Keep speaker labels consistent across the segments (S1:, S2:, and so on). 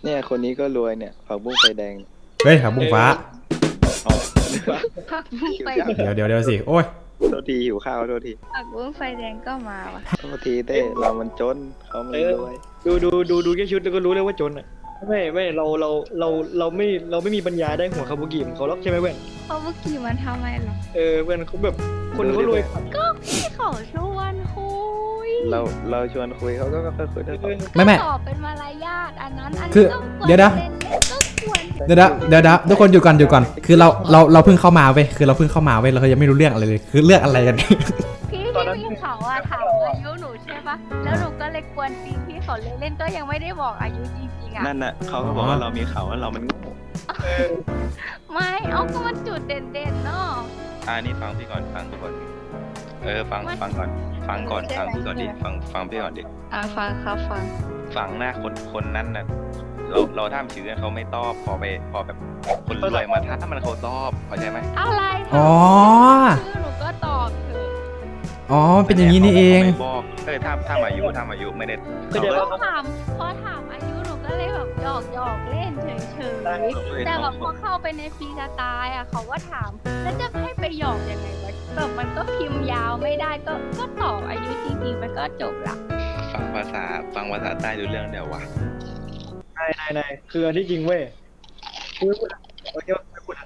S1: เนี่ยคนนี้ก็รวยเนี่ยผักบุ้งไฟแดง
S2: เฮ้ยครับบุ้งฟ้า
S1: อ๋อ
S3: ผักบุ้งไฟ
S2: เดี๋ยวสิโอ้ย
S1: โทษทีหิวข้าวโทษที
S3: ผักบุ้งไฟแดงก็มาว่ะ
S1: โทษทีเต้เรามันจนเขามันรวย
S4: ดูแค่ชุดแล้วก็รู้เลยว่าจนอ่ะไม่เราไม่มีปัญญาได้หัวคาบุกิของเขาหรอกใช่ไหมเพื่อน
S3: เขาเมื่อกี้มันทำไมหรอ
S4: เพื่อนเขาแบบคนเขารวย
S3: ก็พี่เขาชวนคุย
S1: เราชวนคุยเขาก็ค่อยคุยได้
S2: ไม่
S3: ตอบเป็นมารยาทอันนั้นอัน
S2: คือ
S3: นี้ก็ควร
S2: เดี๋ยวนะ
S3: เล่นก็ควร
S2: เดี๋ยวทุกคนอยู่ก่อนคือเราเพิ่งเข้ามาเว้ยคือเราเพิ่งเข้ามาเว้ยเราก็ยังไม่รู้เรื่องอะไรเลยคือเรื่องอะไรกัน
S3: พี่เขาอะถามอายุหนูใช่ปะแล้วหนูก็เลยกวนตีนพี่เขาเล่นๆก็ยังไม่ได้บอกอายุจริงๆอะ
S1: นั่นน่ะเขาก็บอกว่าเรามีเขาว่าเรามันโง่
S3: ไม่เอาก็มันจุดเด่นๆเนาะ
S1: นี่ฟังพี่ก่อนฟังพี่ก่อนฟังก่อนฟังพี่ก่อนดิฟังพี่ก่อนดิ
S3: ฟังครับฟัง
S1: ฟังหน้าคนนั้นน่ะเราทำชื่อเขาไม่ตอบพอแบบคนรวยมาถ้ามันเขาตอบเข้าใจไหม
S3: อะไร
S2: อ๋อ
S3: ชื่อหนูก็ตอบเถอะ
S2: อ๋อเป็นอย่างนี้นี่เอง
S1: ไม่บอกถ้ามาอายุไม่ได้
S4: ก็เดี๋ยว
S3: พอถามอายุหนูก็เลยแบบหยอกเล่นเฉยๆแต่แบบพอเข้าไปในฟรีสไตล์อะเขาก็ถามแล้วจะให้ไปหยอกยังไงวะแบบมันก็พิมพ์ยาวไม่ได้ก็ตอบอายุจริงๆมันก็จบละ
S1: ฟังภาษาใต้ดูเรื่องเดียววะ
S4: นายคืออันที่จริงเว้ยคือพูดนะโอเคไม่พูดนะ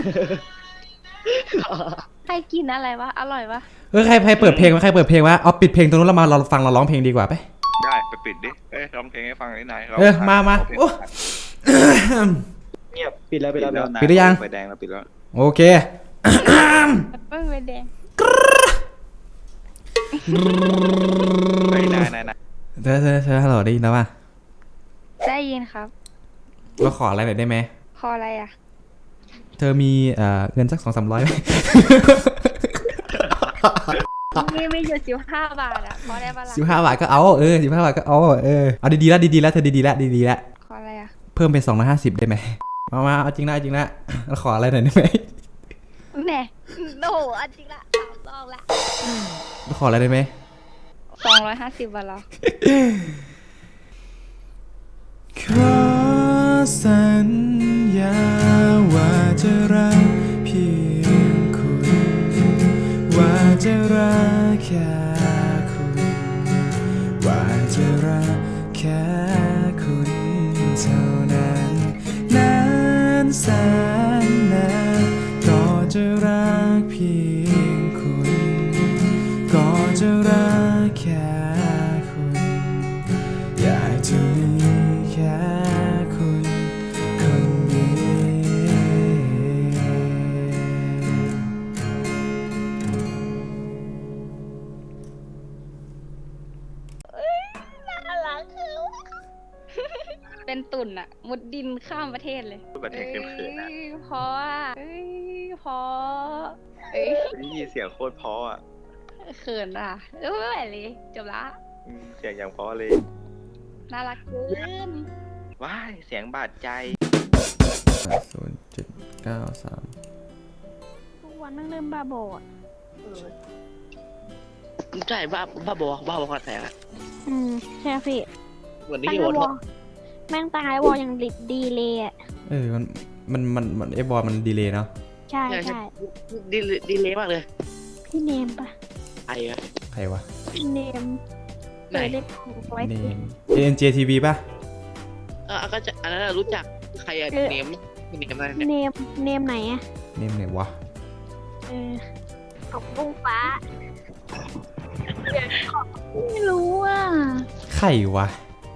S3: ใครกินอะไรวะอร่อยวะ
S2: ใครเปิดเพลงวะเอาปิดเพลงตรงนู้นแล้วมาเราฟังเราร้องเพลงดีกว่าไป
S1: ได้ไปปิดดิร้องเพลงให้ฟังได้นาย
S2: มาโอ้
S4: เงียบปิดแล้ว
S2: ปิดหรือยัง
S1: ไฟแดงเราปิดแล้ว
S2: โอเค
S3: เพิ่งไปแดง
S1: นาย
S2: เธอฮัลโหลได้ยินแล้วป่ะ
S3: ได้ยินครับ
S2: เราขออะไรหน่อยได้ไหม
S3: คออะไรอ่ะ
S2: เธอมีเงินสัก200-300ไหม
S3: มีอยู่15 บาทอ่ะพอได้ปะล่ะ
S2: 15 บาทก็เอา15 บาทก็เอาดีๆแล้วเธอดีๆแล้ว
S3: คออะไรอ่ะ
S2: เพิ่มเป็น250ได้ไหมมาเอาจริงนะเราขออะไรหน่อยได้ไหม
S3: แหน่โอ้โหอันจริงละ3 รอบละ
S2: เราขออะไรได้ไหม
S3: 250 บาทแล้ว
S2: ขอสัญญาว่าจะรักเพียงคุณว่าจะรักแค่คุณว่าจะรักแค่คุณเท่านั้นนานแสนนานก็จะรักเพียงคุณก็จะรักแค่คุณอยากจะมีแค่คุณคนเดียว
S3: น่ารักคือเป็นตุ่นอะมุดดินข้ามประเทศเลย
S1: พูดแบบเทคเขินๆนะ
S3: เพราะว่าเพราะ
S1: นี่เสียงโคตรเพราะอ่ะ
S3: เขินอ่ะไม่ไหวเลยจบละ
S1: เสียงอย่างเพราะเลย
S3: น่ารักเกิน
S1: ว้ายเสียงบาดใจ
S2: 0.93
S3: ทุกวันนั่งเริ่มบ้าบอด
S5: ใช่บ้าบอคอนแทคอะ
S6: ใช่พี่
S5: เหมือน
S6: ตั้
S5: ที่
S6: ง
S5: โอ
S6: ไอ้
S5: ท
S6: วอลแม่งตั้งไอ้วอลยังดีเลยอ่ะ
S2: มันไอ้บอลมันดีเลยเนาะ
S6: ใช่ใช่
S5: ดีเลยมากเลย
S6: พี่เนมปะ
S5: ไอ้อะ
S2: ใครวะ
S6: พี่เนม
S5: ไหน
S6: เล่นของไว้
S2: เนม ANJTV ป่ะ
S5: ก็จะอันนั้นรู้จักใครอะเนมอะไรเนี่ย
S6: เนมไหนอ่ะ
S2: เนมไหนวะ
S6: ของบุ้งฟ้าไม่รู้อ่ะ
S2: ใครวะ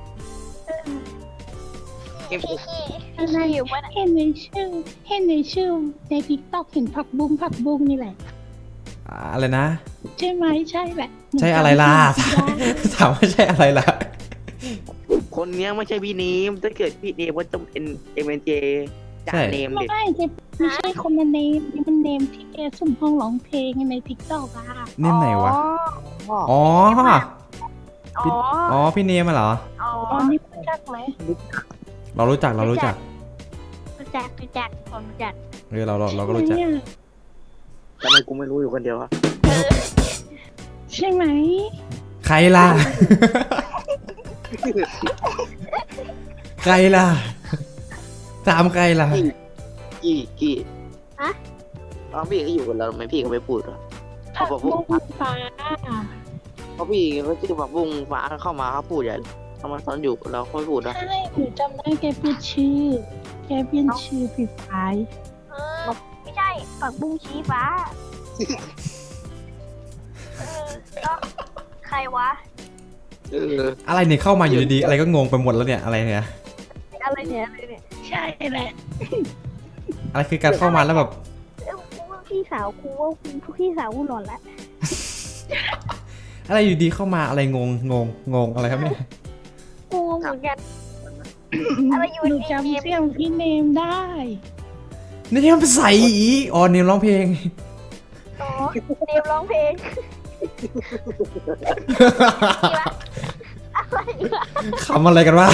S5: เกม
S6: อะไรอยู่วะ
S7: เห็นในชื่อในทิกตอกเห็นผักบุ้งนี่แหละ
S2: อะไรนะ
S7: ใช่ไหมใช่แหละ
S2: ใช่อะไรล่ะ ถามว่าใช่อะไรล่ะ
S5: คนเนี้ยไม่ใช่พี่เนมถ้าเกิดพี่เนมว่าจะเป็น MNJ จา
S2: ใช่
S5: เนม
S7: ไม่
S5: เด็ด
S7: ใช่จะไม่ใช่คนละเนมนี่มันเนมที่แกสุ่มห้องร้องเพลงในทิกตอกอะ
S2: เนมไหนวะ
S6: อ๋อ
S2: อ๋อ
S6: อ๋อ
S2: อ๋อ พี่เนมอะเหรอ
S6: อ๋อ
S7: อ๋อนี่รู้จักไหม
S2: เรารู้จัก
S6: รู้จักผมรู้จัก
S2: เราก็รู้จัก
S7: เนี่ย
S5: ทำไมกูไม่รู้อยู่คนเดียวอะ
S7: ใช่ไหม
S2: ใครล่ะ ใใครล่ะถามใครล่ะ
S5: กี่
S6: ฮะ
S5: ตอนพี่ก็อยู่กับเราทำไมพี่ก็ไม่พูดวะ
S7: ผักบุ้งฟ้า
S5: เพราะพี่เขาชื่อผักบุ้งฟ้าเข้ามาเขาพูดอย่างเขามาตอนอยู่กับเราเขาไม่พูดนะ
S7: ใช่หนูจำได้แกเปลี่ยนชื่อผิดไป
S6: ไม่ใช่ผักบุ้งชี้ฟ้าก็ใครวะ
S2: อะไรเนี่ยเข้ามาอยู่ดีๆอะไรก็งงไปหมดแล้วเนี่ยอะไรเนี่ย
S6: อะไรเนี่ย
S7: ใช่แหละ
S2: อะไรคือการเข้ามาแล้วแบบ
S6: กูว่าพี่สาวกูว่าพี่สาวกูหลอนละ
S2: อะไรอยู่ดีเข้ามาอะไรงงอะไรครับเนี่ย
S6: กูเหมือนกันอะไรอยู่
S7: หนู
S6: ใน
S7: จำ
S6: เกม
S7: เสียงพี่เนมได้
S2: นี่ที่มันเป็นใส่อีอ๋อเนี่ยร้องเพลง
S6: อ๋อเนมร้องเพลงอะไรวะ
S2: ขำอะไรกันวะ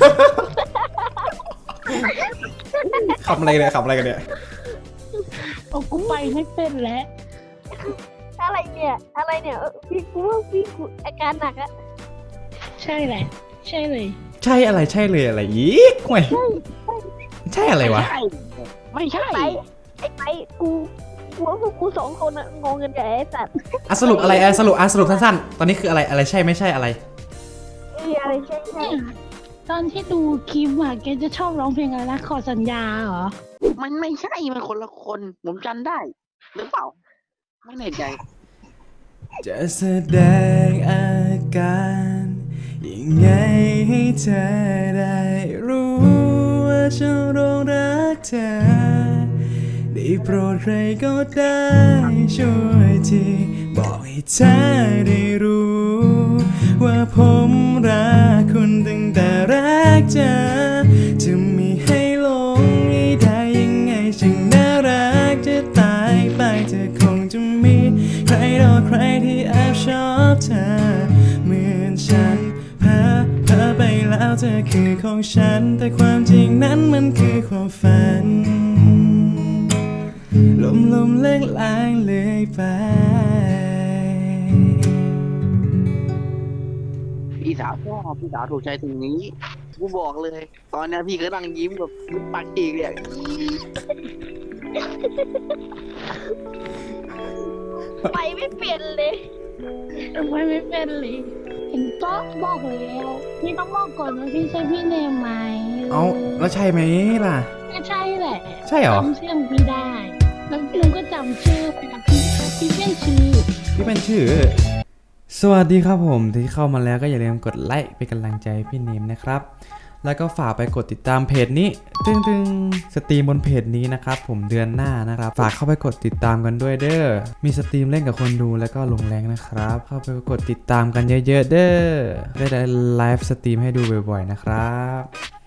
S2: ขำอะไรกันเนี่ยขำอะไรกันเนี่ย
S7: โอ้กูไปไม่เป็นแล้ว
S6: อะไรเนี่ยพี่กูว่าพี่กูอาการหนักอะ
S7: ใช่แหละ ใช่เลย
S2: ใช่อะไรใช่เลยอะไรอีกห่วยใช่อะไรวะ
S5: ไม่ใช่
S6: ไอ้ไปกูว่าพวกกูสองคนอะงงกันใหญ่ไอ้สัตว์
S2: อ่ะสรุปอะไรอ่ะสรุปสั้นๆตอนนี้คืออะไรใช่ไม่ใช่อะไร
S6: อะไรใช่
S7: เนี่ยตอนที่ดูคลิปอะแกจะชอบร้องเพลงอะไรนะขอสัญญาเหรอ
S5: มันไม่ใช่มันคนละคนผมจำได้หรือเปล่าไม่แน่ใจ
S2: จะแสดงอาการยังไงให้เธอได้รู้ว่าฉันหลงรักเธอได้โปรดใครก็ได้ช่วยทีบอกให้เธอได้รู้ว่าผมรักคุณตั้งแต่แรกเจอจะมีให้หลงให้ได้ยังไงช่างน่ารักจะตายไปเธอคงจะมีใครต่อใครที่แอบชอบเธอเหมือนฉันเพ้อไปแล้วเธอคือของฉันแต่ความจริงนั้นมันคือความฝันลมเล่งลางเลยไป
S5: พี่สาวชอบพี่สาวถูกใจตรงนี้กูบอกเลย ตอนนี้พี่ก็นั่งยิ้มแบบยิ้มปากฉีกเลย
S6: ไปไม่เปลี่ยนเลย
S7: ทำไมไม่เป็นเลยเห็นก็บอกแล้วพี่ต้องบอกก่อนว่าพี่ใช่พี่เนมไหม
S2: เอาแล้วใช่ไหมล่ะ
S7: ก็ใช่แหละ
S2: ใช่เหรอ
S7: จำเสียงพี่ได้แล้วหนูก็จำชื่อไปนะพี่เปลี่ยนชื่อ
S2: พี่เป็นชื่อ สวัสดีครับผมที่เข้ามาแล้วก็อย่าลืมกดไลค์เป็นกำลังใจให้พี่เนมนะครับ แล้วก็ฝากไปกดติดตามเพจนี้ตึงสตรีมบนเพจนี้นะครับผมเดือนหน้านะครับฝากเข้าไปกดติดตามกันด้วยเด้อมีสตรีมเล่นกับคนดูแล้วก็ลงแรงนะครับเข้าไปกดติดตามกันเยอะๆเด้อได้ไลฟ์สตรีมให้ดูบ่อยๆนะครับ